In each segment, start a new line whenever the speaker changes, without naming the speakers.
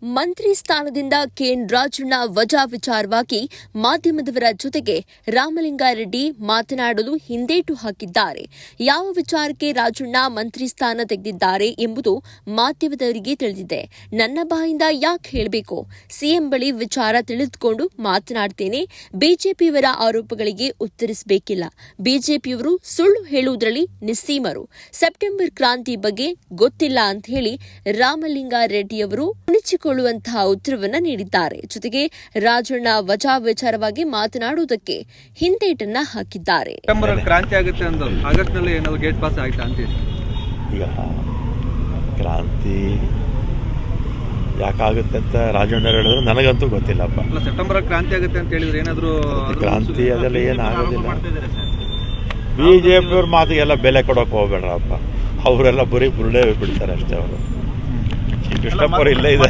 ಮಂತ್ರಿ ಸ್ಥಾನದಿಂದ ಕೆಎನ್ ರಾಜಣ್ಣ ವಜಾ ವಿಚಾರವಾಗಿ ಮಾಧ್ಯಮದವರ ಜೊತೆಗೆ ರಾಮಲಿಂಗಾರೆಡ್ಡಿ ಮಾತನಾಡಲು ಹಿಂದೇಟು ಹಾಕಿದ್ದಾರೆ. ಯಾವ ವಿಚಾರಕ್ಕೆ ರಾಜಣ್ಣ ಮಂತ್ರಿ ಸ್ಥಾನ ತೆಗೆದಿದ್ದಾರೆ ಎಂಬುದು ಮಾಧ್ಯಮದವರಿಗೆ ತಿಳಿದಿದೆ. ನನ್ನ ಬಾಯಿಂದ ಯಾಕೆ ಹೇಳಬೇಕು? ಸಿಎಂ ಬಳಿ ವಿಚಾರ ತಿಳಿದುಕೊಂಡು ಮಾತನಾಡ್ತೇನೆ. ಬಿಜೆಪಿಯವರ ಆರೋಪಗಳಿಗೆ ಉತ್ತರಿಸಬೇಕಿಲ್ಲ. ಬಿಜೆಪಿಯವರು ಸುಳ್ಳು ಹೇಳುವುದರಲ್ಲಿ ನಿಸ್ಸೀಮರು. ಸೆಪ್ಟೆಂಬರ್ ಕ್ರಾಂತಿ ಬಗ್ಗೆ ಗೊತ್ತಿಲ್ಲ ಅಂತ ಹೇಳಿ ರಾಮಲಿಂಗಾರೆಡ್ಡಿಯವರು ಕುಣಿಸಿಕೊಳ್ಳುವಂತಹ ಉತ್ತರವನ್ನ ನೀಡಿದ್ದಾರೆ. ಜೊತೆಗೆ ರಾಜಣ್ಣ ವಜಾ ವಿಚಾರವಾಗಿ ಮಾತನಾಡುವುದಕ್ಕೆ ಹಿಂದೇಟನ್ನ ಹಾಕಿದ್ದಾರೆ.
ಸೆಪ್ಟೆಂಬರ್ ಕ್ರಾಂತಿ ಆಗುತ್ತೆ ಅಂದ್ರು, ಆಗಸ್ಟ್ ನಲ್ಲಿ ಏನಾದ್ರು ಗೇಟ್ ಪಾಸ್ ಆಯ್ತಾ ಅಂತೀರಿ?
ಈಗ ಕ್ರಾಂತಿ ಯಾಕಾಗುತ್ತೆ ಅಂತ ರಾಜಣ್ಣ ಹೇಳಿದ್ರು ನನಗಂತೂ ಗೊತ್ತಿಲ್ಲಪ್ಪ.
ಸೆಪ್ಟೆಂಬರ್ ಕ್ರಾಂತಿ ಆಗುತ್ತೆ ಅಂತ ಹೇಳಿದ್ರೆ ಏನಾದ್ರು
ಕ್ರಾಂತಿ ಅದೆಲ್ಲ ಏನಾಗೋದಿಲ್ಲ. ಬಿಜೆಪಿಯವ್ರ ಮಾತಿಗೆಲ್ಲ ಬೆಲೆ ಕೊಡೋಕೆ ಹೋಗ್ಬೇಡ್ರಪ್ಪ. ಅವರೆಲ್ಲ ಬರೀ ಬುರುಡೆ ಬಿಡ್ತಾರೆ ಅಷ್ಟೇ. ಅವರು ಕೃಷ್ಣಪ್ಪರು ಇಲ್ಲೇ ಇದೆ.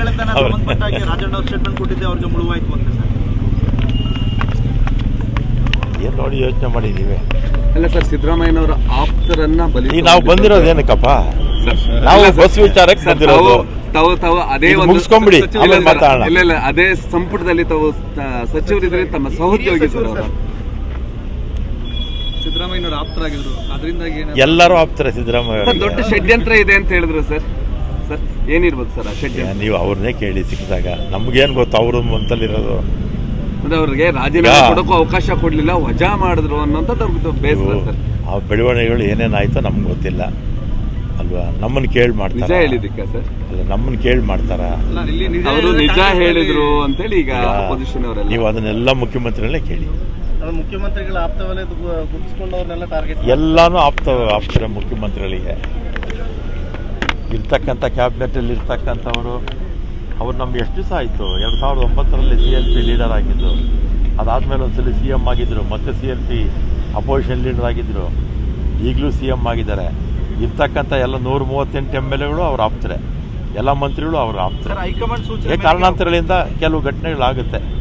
ಏನ್ ನೋಡಿ ಯೋಚನೆ ಮಾಡಿದೀವಿ.
ಅಲ್ಲ ಸರ್, ಸಿದ್ದರಾಮಯ್ಯನವರ ಆಪ್ತರನ್ನ
ಈಗ ನಾವು ಬಂದಿರೋದೇನಕ್ಕಪ್ಪ? ನಾವು ಬಸ್ ವಿಚಾರಕ್ಕೆ ಬಂದಿರೋದು.
ತಾವು ಅದೇ
ಮುಗಿಸ್ಕೊಂಡ್ಬಿಡಿ, ಆಮೇಲೆ ಮಾತಾಡೋಣ.
ಇಲ್ಲ, ಅದೇ ಸಂಪುಟದಲ್ಲಿ ತಾವು ಸಚಿವರಿದ್ರೆ ತಮ್ಮ ಸಹೋದ್ಯೋಗಿ ಸರ್ ಅವರು ಸಿದ್ದರಾಮಯ್ಯನವರ ಆಪ್ತರಾಗಿದ್ರು. ಅದರಿಂದಾಗಿ
ಎಲ್ಲರೂ ಆಪ್ತಾರೆ ಸಿದ್ದರಾಮಯ್ಯ.
ದೊಡ್ಡ ಷಡ್ಯಂತ್ರ ಇದೆ ಅಂತ ಹೇಳಿದ್ರು ಸರ್. ಸರ್ ಏನಿರ್ಬೋದು ಸರ್ ಆ ಷಡ್ಯಂತ್ರ?
ನೀವು ಅವ್ರನ್ನೇ ಕೇಳಿ ಸಿಕ್ಕಿದಾಗ. ನಮ್ಗೇನು ಗೊತ್ತು ಅವರು ಮಂತಲ್ಲಿರೋದು.
ಅವ್ರಿಗೆ ರಾಜೀನಾಮೆ ಕೊಡೋಕ್ಕೂ ಅವಕಾಶ ಕೊಡ್ಲಿಲ್ಲ, ವಜಾ ಮಾಡಿದ್ರು ಅನ್ನೋಂಥದ್ದು ಬೇಸರ ಸರ್.
ಆ ಬೆಳವಣಿಗೆಗಳು ಏನೇನಾಯ್ತೋ ನಮ್ಗೆ ಗೊತ್ತಿಲ್ಲ ಅಲ್ವಾ? ನಮ್ಮನ್ನು ಕೇಳಿ ಮಾಡ್ತಾರೆ.
ನಿಜ ಹೇಳಿದ್ದಕ್ಕ ಸರ್? ಅಲ್ಲ,
ನಮ್ಮನ್ನು ಕೇಳಿ ಮಾಡ್ತಾರ.
ಅವರು ನಿಜ ಹೇಳಿದ್ರು ಅಂತೇಳಿ ಈಗ ಅಪೋಸಿಷನ್ ಅವರೆಲ್ಲ.
ನೀವು ಅದನ್ನೆಲ್ಲ ಮುಖ್ಯಮಂತ್ರಿಗಳೇ ಕೇಳಿ.
ಮುಖ್ಯಮಂತ್ರಿಗಳ ಆಪ್ತವಲಯ ಗುರುತಿಸಿಕೊಂಡವ್ರನ್ನೆಲ್ಲ ಟಾರ್ಗೆಟ್
ಎಲ್ಲಾನು ಆಪ್ತರ ಮುಖ್ಯಮಂತ್ರಿಗಳಿಗೆ ಇರ್ತಕ್ಕಂಥ ಕ್ಯಾಬಿನೆಟಲ್ಲಿ ಇರ್ತಕ್ಕಂಥವರು. ಅವ್ರು ನಮ್ಗೆ ಎಷ್ಟು ದಿವಸ ಆಯಿತು? 2009ರಲ್ಲಿ CLP ಲೀಡರ್ ಆಗಿದ್ದು. ಅದಾದಮೇಲೆ ಒಂದ್ಸಲ CM ಆಗಿದ್ದರು, ಮತ್ತೆ CLP ಅಪೋಸಿಷನ್ ಲೀಡರ್ ಆಗಿದ್ದರು. ಈಗಲೂ CM ಆಗಿದ್ದಾರೆ. ಇರ್ತಕ್ಕಂಥ ಎಲ್ಲ 138 MLAಗಳು ಅವ್ರು ಆಪ್ತಾರೆ. ಎಲ್ಲ ಮಂತ್ರಿಗಳು ಅವ್ರು ಆಪ್ತಾರೆ. ಕಾರಣಾಂತರಗಳಿಂದ ಕೆಲವು ಘಟನೆಗಳಾಗುತ್ತೆ.